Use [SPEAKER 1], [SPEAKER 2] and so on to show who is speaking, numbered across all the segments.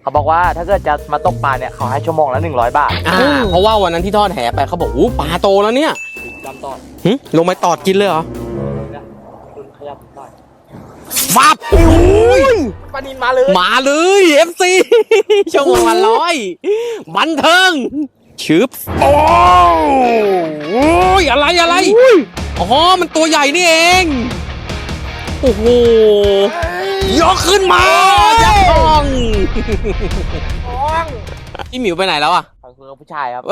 [SPEAKER 1] เขาบอกว่าถ้าเกิดจะมาตกปลาเนี่ยเขาให้ชั่วโมงละ100 บาท
[SPEAKER 2] เพราะว่าวันนั้นที่ทอดแหไปเขาบอกปลาโตแล้วเนี่ย
[SPEAKER 1] จำต่อ
[SPEAKER 2] ลงไปตอดกินเลยเหรอ
[SPEAKER 1] คุณขยับหน่อย
[SPEAKER 2] ฟับ
[SPEAKER 1] ปลานินมา
[SPEAKER 2] เลย FC ชั่วโมงละ100บันเทิงชึบโอ้ยอะไรอ๋อมันตัวใหญ่นี่เองโอ้โหยกขึ้นมายักษ์ทองพี่หมิวไปไหนแล้วอ่ะ
[SPEAKER 1] คือผู้ชายครับ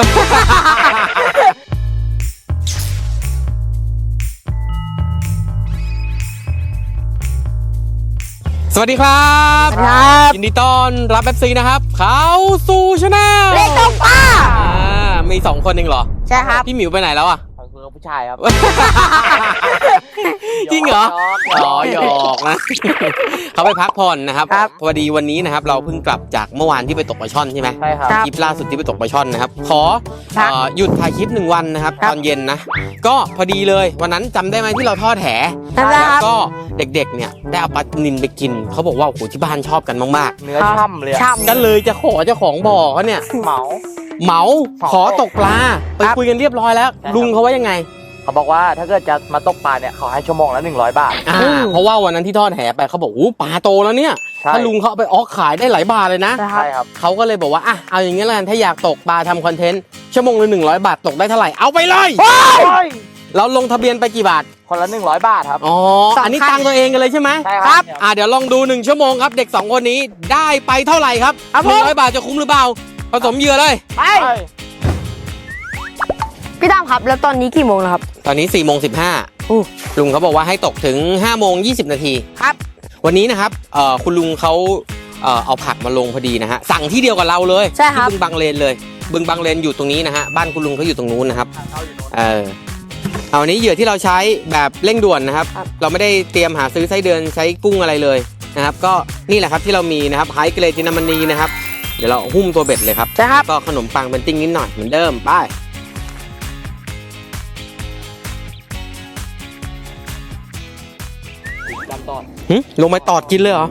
[SPEAKER 2] สวัสดีครับยินดีต้อนรับFCนะครับเขาสู่ชาแนล
[SPEAKER 3] เล็กตกปลา
[SPEAKER 2] มี2 คนเองเหรอ
[SPEAKER 3] ใช่ครับ
[SPEAKER 2] พี่หมิวไปไหนแล้วอ่ะ
[SPEAKER 1] คือผู้ชายครับ
[SPEAKER 2] จริงเหรอหยอกนะเขาไปพักผ่อนนะครับพอดีวันนี้นะครับเราเพิ่งกลับจากเมื่อวานที่ไปตกปลาช่อนใช่ไหม
[SPEAKER 1] ใช่ครับ
[SPEAKER 2] คลิปล่าสุดที่ไปตกปลาช่อนนะครับขอหยุดถ่ายคลิป1 วันนะครับตอนเย็นนะก็พอดีเลยวันนั้นจำได้ไหมที่เราทอดแหแล้วก็เด็กๆเนี่ยได้เอาปลานิลไปกินเขาบอกว่าโอ้โหที่บ้านชอบกันมาก
[SPEAKER 1] ๆเนื้อช่ำเลย
[SPEAKER 2] ก็เลยจะขอเจ้าของบ่อเขาเนี่ยเหมาขอตกปลาไปคุยกันเรียบร้อยแล้วลุงเขาว่ายังไง
[SPEAKER 1] เขาบอกว่าถ้าเกิดจะมาตกปลาเนี่ยเขาให้ชั่วโมงละ100 บาท
[SPEAKER 2] เพราะว่าวันนั้นที่ทอดแหไปเขาบอกปลาโตแล้วเนี่ยถ้าลุงเขาไปออกขายได้หลายบาทเลยนะ
[SPEAKER 1] ใช่ครับ
[SPEAKER 2] เขาก็เลยบอกว่าเอาอย่างงี้แล้วกันถ้าอยากตกปลาทำคอนเทนต์ชั่วโมงละ100 บาทตกได้เท่าไหร่เอาไปเลยเราลงทะเบียนไปกี่บาท
[SPEAKER 1] คนละ100 บาทครับ
[SPEAKER 2] อันนี้ตังตัวเองกันเลยใช่ไหม
[SPEAKER 1] ใช่ครับ
[SPEAKER 2] เดี๋ยวลองดู1 ชั่วโมงครับเด็ก2 คนนี้ได้ไปเท่าไหร่ครับ100 บาทจะคุ้มหรือเปล่าผสมเหยื่อเลย
[SPEAKER 3] ไปพี่ตามครับแล้วตอนนี้กี่โมงแล้วครับ
[SPEAKER 2] ตอนนี้4:15ลุงเขาบอกว่าให้ตกถึง5:20 นาที
[SPEAKER 3] ครับ
[SPEAKER 2] วันนี้นะครับคุณลุงเขาเอาผักมาลงพอดีนะฮะสั่งที่เดียวกับเราเลยที่บึงบางเลนเลยบึงบางเลนอยู่ตรงนี้นะฮะบ้านคุณลุงเขาอยู่ตรงนู้นนะครับวันนี้เหยื่อที่เราใช้แบบเร่งด่วนนะครับเราไม่ได้เตรียมหาซื้อไส้เดือนใช้กุ้งอะไรเลยนะครับก็นี่แหละครับที่เรามีนะครับไฮเกรดจินามณีนะครับเดี๋ยวเราหุ้มตัวเบ็ดเลยครับก็ขนมปังเป็นติ้งนิดหน่อยเหมือนเดิมไปลงไปตอดกินเลยเหรอ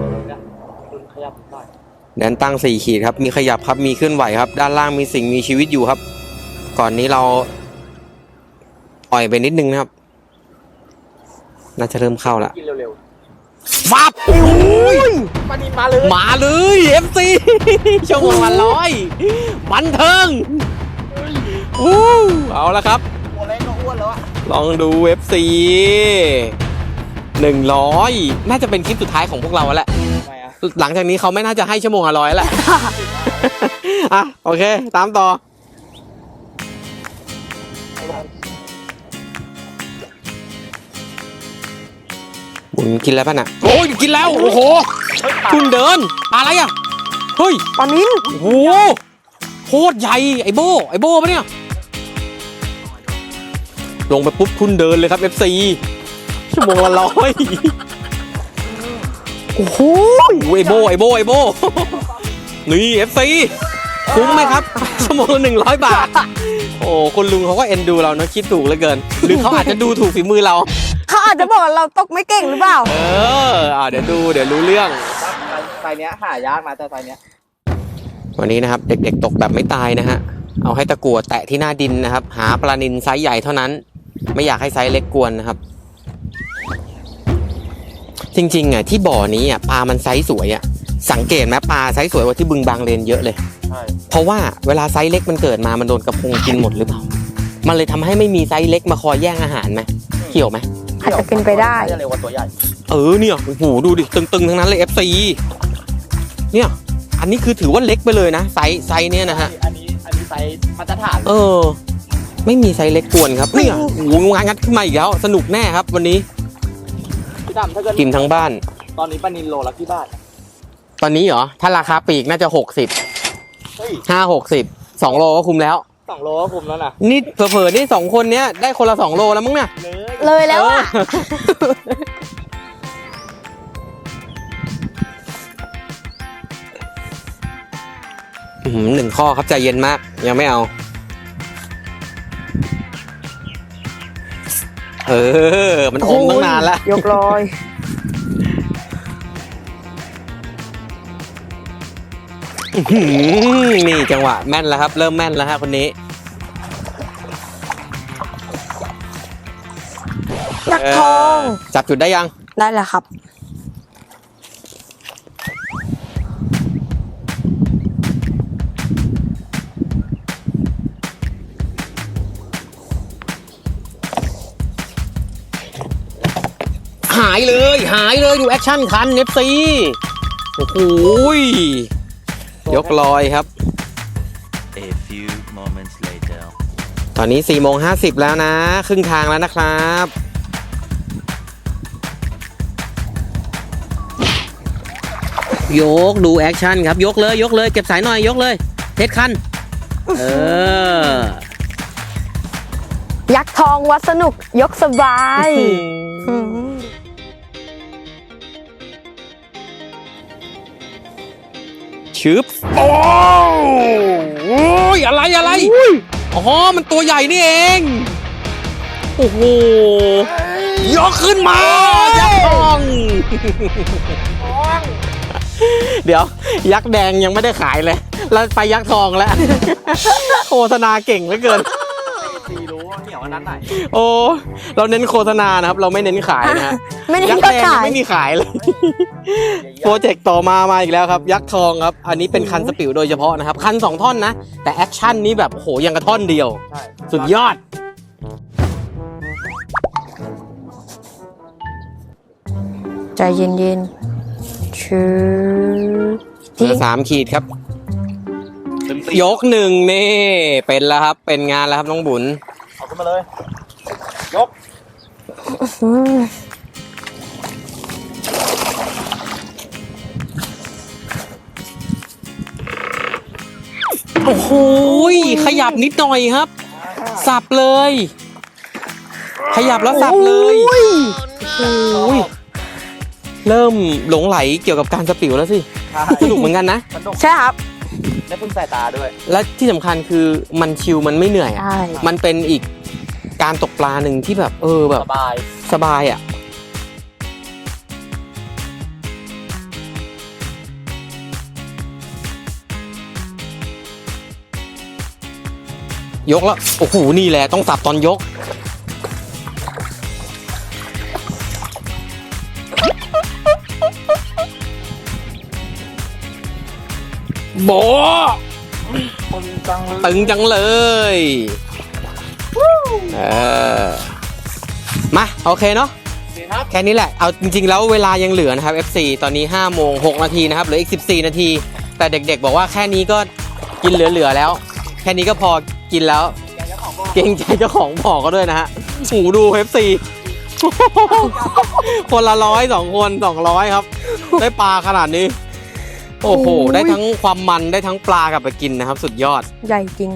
[SPEAKER 2] แดนตั้ง4 ขีดครับมีขยับครับมีเคลื่อนไหวครับด้านล่างมีสิ่งมีชีวิตอยู่ครับก่อนนี้เราอ่อยไปนิดนึงนะครับน่าจะเริ่มเข้าแล้ว
[SPEAKER 1] กินเร็ว
[SPEAKER 2] ๆฟับ
[SPEAKER 1] ปลานินมา
[SPEAKER 2] เลย FC ชั่วโมงละ100บันเทิงเอาละครับ
[SPEAKER 1] ตัวเล็กก็อ้วนแล้วอะ
[SPEAKER 2] ลองดู FC 100น่าจะเป็นคลิปสุดท้ายของพวกเราแล้วแหละหลังจากนี้เขาไม่น่าจะให้ชั่วโมงละ100แหละโอเคตามต่อบุญกินแล้วป่ะน่ะโอ้ยกินแล้วโอ้โหคุณเดินอะไรอ่ะเฮ้ย
[SPEAKER 3] ปลานิล
[SPEAKER 2] โอ้โหโคตรใหญ่ไอโบปะเนี่ยลงไปปุ๊บคุณเดินเลยครับ FCชั่วโมงละ100โอ้โหไอโบนี่ FC คุ้มไหมครับชั่วโมงละ100 บาทโอ้คุณลุงเขาก็เอ็นดูเราเนาะคิดถูกเหลือเกินหรือเขาอาจจะดูถูกฝีมือเรา
[SPEAKER 3] เขาอาจจะบอกเราตกไม่เก่งหรือเปล่า
[SPEAKER 2] เดี๋ยวรู้เรื่อง
[SPEAKER 1] ไซเนี้ยหายากนะแต่ไซเนี้ย
[SPEAKER 2] วันนี้นะครับเด็กๆตกแบบไม่ตายนะฮะเอาให้ตะกั่วแตะที่หน้าดินนะครับหาปลานิลไซส์ใหญ่เท่านั้นไม่อยากให้ไซส์เล็กกวนนะครับจริงๆที่บ่อนี้ปลามันไซส์สวยสังเกตไหมปลาไซส์สวยกว่าที่บึงบางเลนเยอะเลยเพราะว่าเวลาไซส์เล็กมันเกิดมามันโดนกระพงกินหมดหรือเปล่ามันเลยทำให้ไม่มีไซส์เล็กมาคอยแย่งอาหารไหมเกี่ยวไหม
[SPEAKER 3] อาจจะเป็นไปได้
[SPEAKER 1] เร็วกว่าตัวใหญ่
[SPEAKER 2] เนี่ยโอ้โหดูดิตึงๆทั้งนั้นเลย FC เนี่ยอันนี้คือถือว่าเล็กไปเลยนะไซส์เนี่ยนะฮะ
[SPEAKER 1] อันนี้ไซส์มาตรฐาน
[SPEAKER 2] ไม่มีไซส์เล็กกวนครับเนี่ยโอ้โหงานงัดขึ้นมาอีกแล้วสนุกแน่ครับวันนี้กินทั้งบ้าน
[SPEAKER 1] ตอนนี้ปลานิลโลละกี่บาท
[SPEAKER 2] ตอนนี้เหรอถ้าราคาปลีกน่าจะ60 2 โลก็คุ้มแล้ว
[SPEAKER 1] 2 โลก็คุ้มแล้วนะ
[SPEAKER 2] นี่เผลอๆนี่2 คนเนี้ยได้คนละ2 โลแล้วมั้งเนี่ย
[SPEAKER 3] เลยแล้วอ่ะ
[SPEAKER 2] 1 ข้อครับใจเย็นมากยังไม่เอามันอมตั้งนานแล้ว
[SPEAKER 3] ยกลอย
[SPEAKER 2] นี่จังหวะแม่นแล้วครับ เริ่มแม่นแล้วฮะคนนี้
[SPEAKER 3] ยักษ์ทอง
[SPEAKER 2] จับจุดได้ยัง
[SPEAKER 3] ได้แล้วครับ
[SPEAKER 2] หายเลยดูแอคชั่นคัน FC โอ้โหยกลอยครับ
[SPEAKER 4] A few moments later.
[SPEAKER 2] ตอนนี้4:50แล้วนะ ครึ่งทางแล้วนะครับ ยกดูแอคชั่นครับ ยกเลยเก็บสายหน่อยยกเลยเทสคัน
[SPEAKER 3] ยักษ์ทองวัดสนุกยกสบาย
[SPEAKER 2] ชึบโอ้ยอะไรอ๋อมันตัวใหญ่นี่เองโอ้โหยกขึ้นมายักษ์ทอง เดี๋ยวยักษ์แดงยังไม่ได้ขายเลยแล้วไปยักษ์ทองแล้ว โฆษณาเก่งเหลือเกิน
[SPEAKER 1] ซีรู้ว่าเหนียวอันนั้นไหน
[SPEAKER 2] โอ้เราเน้นโฆษณานะครับ เราไม่เน้นขายนะฮะ
[SPEAKER 3] ไม่ได้
[SPEAKER 2] ยักษ์
[SPEAKER 3] ก็
[SPEAKER 2] แดง
[SPEAKER 3] ขาย
[SPEAKER 2] ไม่มีขายเลย โปรเจกต์ต่อมาอีกแล้วครับ ยักษ์ทองครับ อันนี้เป็นคันสปิวโดยเฉพาะนะครับ คัน2ท่อนนะ แต่แอคชั่นนี้แบบโอ้โหยังกระท่อนเดียว
[SPEAKER 1] ใช่
[SPEAKER 2] สุดยอด
[SPEAKER 3] ใจเย็นๆชื่อ
[SPEAKER 2] เหลือ3 ขีดครับ ยก1นี่เป็นแล้วครับ เป็นงานแล้วครับน้องบุญ
[SPEAKER 1] เอาขึ้นมาเลย ยก
[SPEAKER 2] โอ้โหขยับนิดหน่อยครับ สับเลย ขยับแล้วสับเลยโอ้ยเริ่มหลงไหลเกี่ยวกับการสปิวแล้วสิ
[SPEAKER 1] ใช่
[SPEAKER 2] สนุกเหมือนกันนะ
[SPEAKER 1] สนุก
[SPEAKER 3] ใช่ครับ
[SPEAKER 1] ได้พึ่งสายตาด้วย
[SPEAKER 2] และที่สำคัญคือมันชิลมันไม่เหนื่อยอะ
[SPEAKER 3] ใช่
[SPEAKER 2] มันเป็นอีกการตกปลาหนึ่งที่แบบแบบ
[SPEAKER 1] สบาย
[SPEAKER 2] สบายอ่ะ ยกแล้ว โอ้โห นี่แหละต้องสับตอนยก โบะ
[SPEAKER 1] คนจังเลย
[SPEAKER 2] ตึงจังเลยมาโอเคเนาะ
[SPEAKER 1] ดีครับ
[SPEAKER 2] แค่นี้แหละ เอาจริงๆแล้วเวลายังเหลือนะครับ FC ตอนนี้5:06 นาทีนะครับ เหลืออีก14 นาที แต่เด็กๆบอกว่าแค่นี้ก็กินเหลือๆแล้ว แค่นี้ก็พอกินแล้ว เกรงใจเจ้าของบ่อก็ด้วยนะฮะหูดู FC คนละ100 2 คน200 ครับ ได้ปลาขนาดนี้ โอ้โห ได้ทั้งความมันได้ทั้งปลากลับไปกินนะครับ สุดยอด
[SPEAKER 3] ใหญ่จริง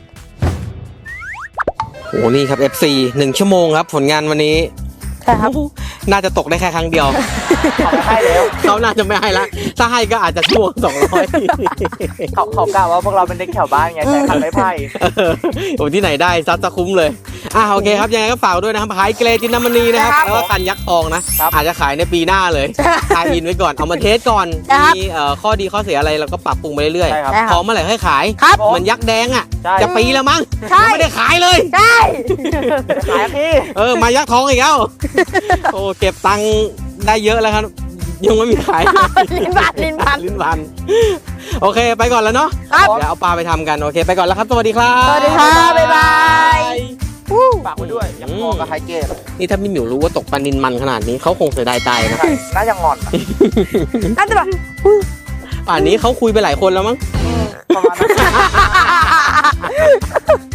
[SPEAKER 2] โอ้นี่ครับ FC 1 ชั่วโมงครับ ผลงานวันนี้
[SPEAKER 3] ใช่ครับ
[SPEAKER 2] น่าจะตกได้แค่ครั้งเดียว
[SPEAKER 1] เขาไม่ให้แล้ว
[SPEAKER 2] เขาน่าจะไม่ให้ละถ้าให้ก็อาจจะชั่วโมง200
[SPEAKER 1] เขากล่าวว่าพวกเราเป็นเด็กแถวบ้านไงแต่คันไม่ไผ่
[SPEAKER 2] โอ้ที่ไหนได้ซัดจะคุ้มเลยโอเคครับยังไงก็ฝากด้วยนะครับขายเกรจินน้ำมันนีนะครับ
[SPEAKER 3] ครับ
[SPEAKER 2] แล้วก็คันยักษ์ทองนะ อาจจะขายในปีหน้าเลยทายอินไว้ก่อนเอามาเทสก่อน
[SPEAKER 3] ครับ
[SPEAKER 2] มีข้อดีข้อเสียอะไรเราก็ปรับปรุงไปเรื่อย
[SPEAKER 1] ใช่ครับ
[SPEAKER 3] ได้
[SPEAKER 2] ๆพร้อมเมื่อไหร่ค่อยขาย
[SPEAKER 3] ครับ
[SPEAKER 2] เหมือนยักษ์แดงอ่ะ
[SPEAKER 1] ใช่
[SPEAKER 2] จะปีแล้วมั้ง
[SPEAKER 3] ใช่
[SPEAKER 2] ยังไม่ได้ขายเลย
[SPEAKER 3] ใช่
[SPEAKER 1] ขายพี่
[SPEAKER 2] มายักษ์ทองอีกแล้ว โอ้เก็บตังค์ได้เยอะแล้วครับ ยังไม่มีขาย
[SPEAKER 3] ลิ้นพันลิ้นพัน
[SPEAKER 2] ลิ้นพันโอเคไปก่อนแล้วเนาะ
[SPEAKER 3] ครับ
[SPEAKER 2] เดี๋ยวเอาปลาไปทำกันโอเคไปก่อนแล้วครับสวัสดีครับ
[SPEAKER 3] สวัสดีครับ บ๊ายบาย
[SPEAKER 1] ฝากไว้ด้วยยังพอกับไฮเกต
[SPEAKER 2] นี่ถ้าพี่หมิวรู้ว่าตกปลานินมันขนาดนี้เขาคงเสียดายตายนะ
[SPEAKER 1] ใช่น่าจะงอนอะ
[SPEAKER 3] น่าจะแบบ
[SPEAKER 2] ป่านนี้เขาคุยไปหลายคนแล้วมั้ง
[SPEAKER 1] ประมาณนั้น